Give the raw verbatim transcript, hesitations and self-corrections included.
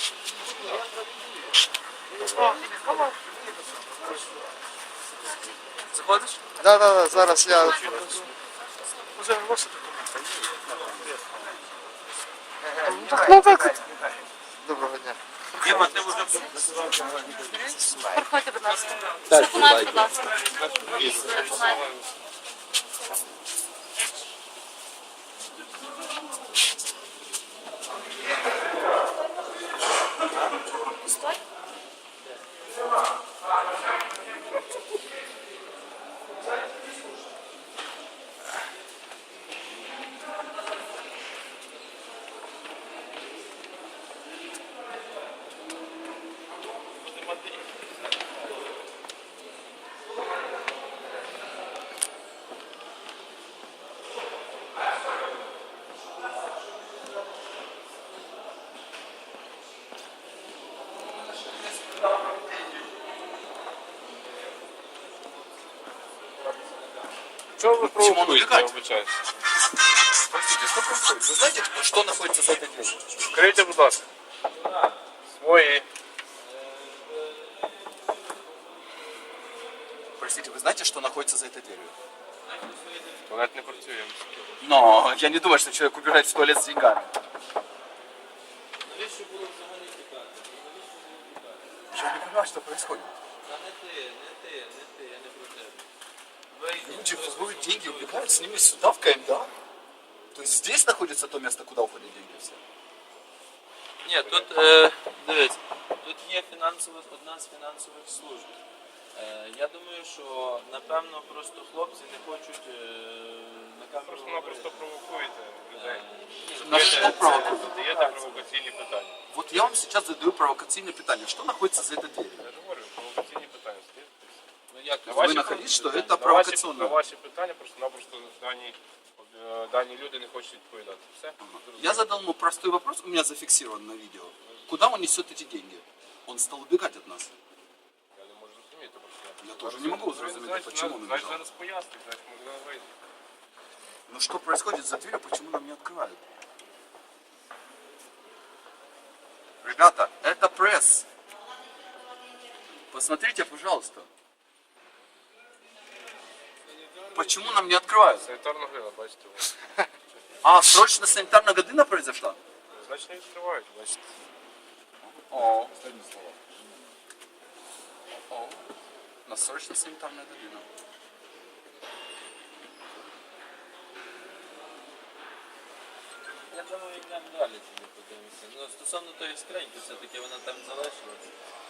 Заходиш? Да, да, да, зараз я. Уже ваші документи. Ну так от. Доброго дня. Діма, ти вже Проходьте, будь ласка. Документи, будь ласка. Стой. Чего вы провокуете, я убегать? обучаюсь? Простите, что происходит? Вы знаете, что находится за этой дверью? Скажите, будь ласка. Свої. Простите, вы знаете, что находится за этой дверью? Вона не працює. Но я не думаю, что человек убирает в туалет с деньгами. Я не понимаю, что происходит. Люди воруют деньги, убегают с ними сюда, в КМДА. То есть здесь находится то место, куда уходят деньги все. Ні, тут, е, дивись, тут є фінансова, одна з фінансових служб. Е, я думаю, що, напевно, просто хлопці не хочуть е, на камеру Просто-напросто провокуєте людей. На что провокуют? Задаєте провокаційні питання. Вот я вам сейчас задаю провокационное питание. Что находится за этой дверью? Я ж говорю, провокаційні питання. Ну, як На Вы ваші находите, что питання. это На ваші- провокационно? На ваші питання просто-напросто дані, е, дані люди не хочуть відповідати. Все? Я задал ему простой вопрос, у меня зафиксирован на видео. Куда он несет эти деньги? Он стал убегать от нас. Я не можу зрозуміти просто. Я тоже не могу зрозуміти, Значить, почему он Значить, убежал. зараз пояснить, значить, можливо, вийде. Ну что происходит за дверью, почему нам не открывают? Ребята, это пресс. Посмотрите, пожалуйста. Почему нам не открывают? Санітарна грила, бачите. А, срочно санитарная година произошла? Значить, не відкривають, бачите. О. О. У нас срочно санитарная година. Я думаю, йдемо далі тоді подивимося. Ну, стосовно тої скриньки, все-таки вона там залишилась.